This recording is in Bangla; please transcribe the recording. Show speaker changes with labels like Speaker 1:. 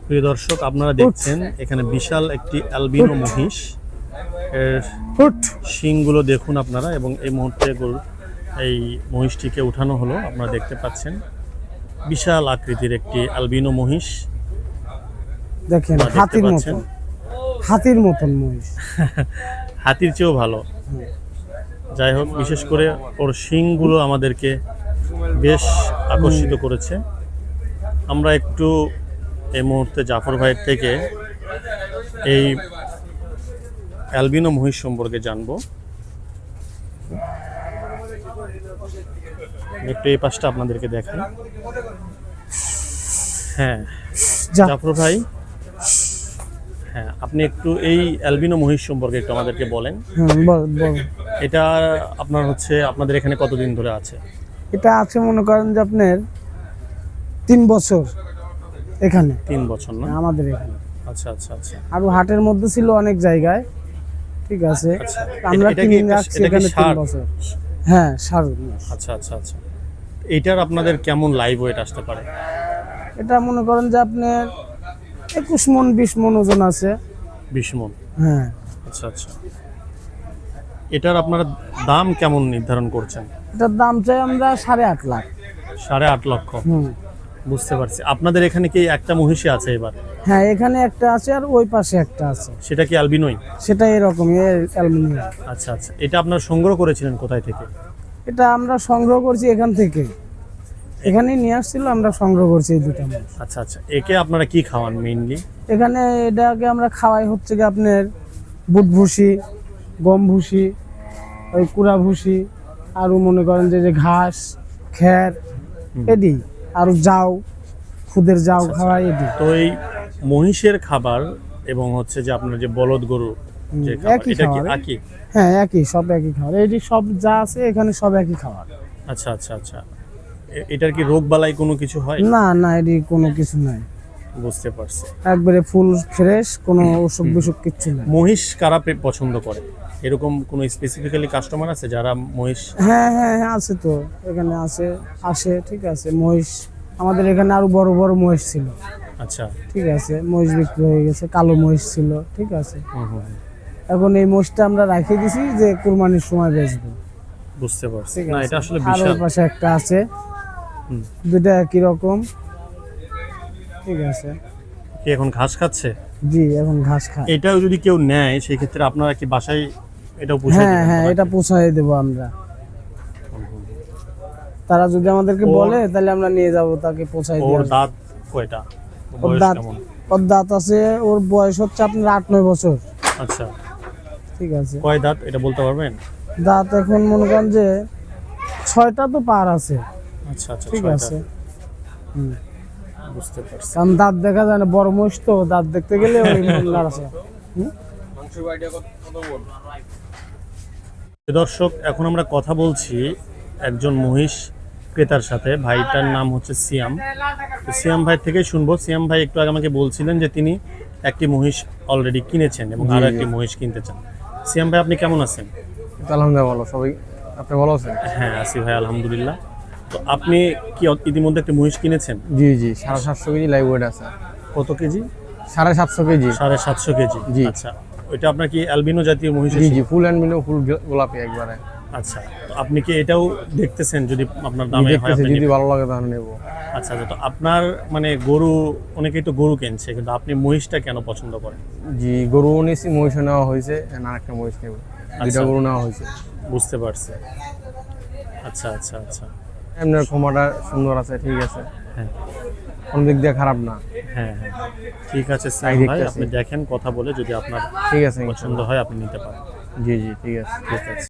Speaker 1: প্রিয় দর্শক, আপনারা দেখছেন এখানে বিশাল একটি অ্যালবিনো মহিষ। এর শিংগুলো দেখুন আপনারা, এবং এই মুহূর্তে এই মহিষটিকে উঠানো হলো। আপনারা দেখতে পাচ্ছেন বিশাল আকৃতির একটি অ্যালবিনো মহিষ।
Speaker 2: দেখেন হাতির মতন মহিষ।
Speaker 1: হাতির চেয়েও ভালো। যাই হোক, বিশেষ করে ওর শিংগুলো আমাদেরকে বেশ আকর্ষিত করেছে। আমরা একটু এই মুহূর্তে জাফর ভাইয়ের থেকে এই অ্যালবিনো মহিষ সম্পর্কে জানবো। একটু এই পাশটা আপনাদেরকে দেখাই। হ্যাঁ জাফর ভাই, হ্যাঁ আপনি একটু এই অ্যালবিনো মহিষ সম্পর্কে একটু আমাদেরকে বলেন। এটা আপনার হচ্ছে আপনাদের এখানে কতদিন ধরে আছে?
Speaker 2: এটা আছে মনে করেন যে আপনার 3 বছর এখানে।
Speaker 1: 3 বছর না
Speaker 2: আমাদের এখানে?
Speaker 1: আচ্ছা আচ্ছা আচ্ছা।
Speaker 2: আর হাটের মধ্যে ছিল অনেক জায়গায়, ঠিক আছে। আমরা কিনে রাখছি এখানে 3 বছর। হ্যাঁ ষাঁড়।
Speaker 1: আচ্ছা আচ্ছা আচ্ছা। এটার আপনাদের কেমন লাইভ ওয়েট আসতে পারে?
Speaker 2: এটা মনে করেন যে আপনার 21 মণ 20 মণ ওজন আছে।
Speaker 1: 20 মণ?
Speaker 2: হ্যাঁ।
Speaker 1: আচ্ছা আচ্ছা। এটার আপনারা দাম কেমন নির্ধারণ করছেন?
Speaker 2: এটার দাম চাই আমরা 8.5 লাখ।
Speaker 1: 8.5 লক্ষ? বুঝতে পারছি। আপনাদের এখানে কি একটা মহিষী আছে এবার?
Speaker 2: হ্যাঁ, এখানে একটা আছে আর ওই পাশে একটা আছে।
Speaker 1: সেটা কি অ্যালবিনোই?
Speaker 2: সেটা এরকম অ্যালবিনো।
Speaker 1: আচ্ছা আচ্ছা। এটা আপনারা সংগ্রহ করেছিলেন কোথায় থেকে?
Speaker 2: এটা আমরা সংগ্রহ করছি এখান থেকে। এখানেই নিয়ে আসছিল, আমরা সংগ্রহ করছি এই দুটো মহিষ।
Speaker 1: আচ্ছা আচ্ছা। একে আপনারা কি খাওয়ান মেইনলি?
Speaker 2: এখানে এটাকে আমরা খাওয়াই হচ্ছে কি আপনার বুট ভুসি, গম ভুসি, ওই কুড়া ভুসি, আর মনে করেন যে ঘাস, খ্যার, এডি, আর যাও, খুদের যাও খাওয়াই এডি।
Speaker 1: তো এই মহিষের খাবার এবং হচ্ছে যে আপনার যে বলদ গরু যে খাবার, এটা কি একই?
Speaker 2: হ্যাঁ একই, সব একই খাবার। এডি সব যা আছে এখানে সব একই খাবার।
Speaker 1: আচ্ছা আচ্ছা আচ্ছা। এটার কি রোগ বালাই কোনো কিছু হয়?
Speaker 2: না না, এডি কোনো কিছু নাই।
Speaker 1: বুঝতে পারছি।
Speaker 2: একবারে ফুল ফ্রেশ, কোনো অসুখ বিসুখ কিচ্ছু নাই।
Speaker 1: মহিষ কারা পছন্দ করে? এরকম কোনো স্পেসিফিক্যালি কাস্টমার আছে যারা মহিষ?
Speaker 2: হ্যাঁ হ্যাঁ হ্যাঁ আছে তো, এখানে আসে, ঠিক আছে। মহিষ আমাদের এখানে আরো বড় বড় মহিষ ছিল।
Speaker 1: আচ্ছা,
Speaker 2: ঠিক আছে। মহিষ বিক্রি হয়ে গেছে, কালো মহিষ ছিল, ঠিক আছে। এখন এই মহিষটা আমরা রাখিয়ে দিছি যে কুরবানির সময় বেচবো।
Speaker 1: বুঝতে পারছি। না এটা আসলে বিশাল।
Speaker 2: আর পাশে একটা আছে, দুটো একই রকম, ঠিক আছে।
Speaker 1: কি এখন ঘাস খাচ্ছে?
Speaker 2: জি, এখন ঘাস খায়।
Speaker 1: এটাও যদি কেউ নেয় সেই ক্ষেত্রে আপনারা কি বাসায় এটাও পৌঁছে দেবেন?
Speaker 2: হ্যাঁ হ্যাঁ, এটা পৌঁছায় দেবো আমরা। তারা যদি আমাদেরকে বলে তাহলে আমরা নিয়ে যাব, তাকে পৌঁছায় দেব।
Speaker 1: ওর দাঁত কয়টা?
Speaker 2: ওর দাঁত আছে, ওর বয়স হচ্ছে আপনার 8-9 বছর।
Speaker 1: আচ্ছা,
Speaker 2: ঠিক আছে।
Speaker 1: কয় দাঁত এটা বলতে পারবেন?
Speaker 2: দাঁত এখন মনে করেন যে 6টা তো পার আছে।
Speaker 1: আচ্ছা আচ্ছা,
Speaker 2: ঠিক আছে।
Speaker 1: বুঝতে পারছি।
Speaker 2: কারণ দাঁত দেখা যায় না, বড় মহিষ তো, দাঁত দেখতে গেলে ওই আছে।
Speaker 1: দর্শক, এখন আমরা কথা বলছি একজন মহিষ ক্রেতার সাথে। ভাইটার নাম হচ্ছে সিয়াম। সিয়াম ভাই থেকে শুনবো। সিয়াম ভাই একটু আগে আমাকে বলছিলেন যে তিনি একটি মহিষ অলরেডি কিনেছেন এবং আরো একটি মহিষ কিনতে চান। সিয়াম ভাই, আপনি কেমন আছেন?
Speaker 3: আলহামদুলিল্লাহ ভালো। সবাই, আপনি ভালো আছেন?
Speaker 1: হ্যাঁ আছি ভাই, আলহামদুলিল্লাহ। তো আপনি কি ইতিমধ্যে একটা মহিষ কিনেছেন?
Speaker 3: জি জি, 750 কেজি লাইভ ওয়েট আছে।
Speaker 1: কত কেজি?
Speaker 3: 750 কেজি।
Speaker 1: 750 কেজি?
Speaker 3: জি।
Speaker 1: আচ্ছা, ওইটা আপনার কি অ্যালবিনো জাতীয় মহিষ?
Speaker 3: জি জি, ফুল অ্যালবিনো, ফুল গোলাপি একবারে।
Speaker 1: আচ্ছা, তো আপনি কি এটাও দেখতেছেন? যদি আপনার দামে হয়,
Speaker 3: যদি ভালো লাগে তাহলে নেব।
Speaker 1: আচ্ছা আচ্ছা। তো আপনার মানে গরু, অনেকেই তো গরু কিনছে, কিন্তু আপনি মহিষটা কেন পছন্দ করেন?
Speaker 3: জি, গরু নিয়েছি, মহিষ নেওয়া হয়েছে, আর একটা মহিষ নেব। দুইটা গরু নেওয়া হয়েছে।
Speaker 1: বুঝতে পারছি। আচ্ছা আচ্ছা আচ্ছা।
Speaker 3: এমনি ক্ষমাটা সুন্দর আছে, ঠিক আছে।
Speaker 1: হ্যাঁ,
Speaker 3: কোন দিক দিয়ে খারাপ না।
Speaker 1: হ্যাঁ হ্যাঁ, ঠিক আছে সাইদ ভাই, আপনি দেখেন, কথা বলে যদি আপনার
Speaker 3: ঠিক আছে
Speaker 1: পছন্দ হয় আপনি নিতে পারেন।
Speaker 3: জি জি, ঠিক আছে।
Speaker 1: ঠিক আছে।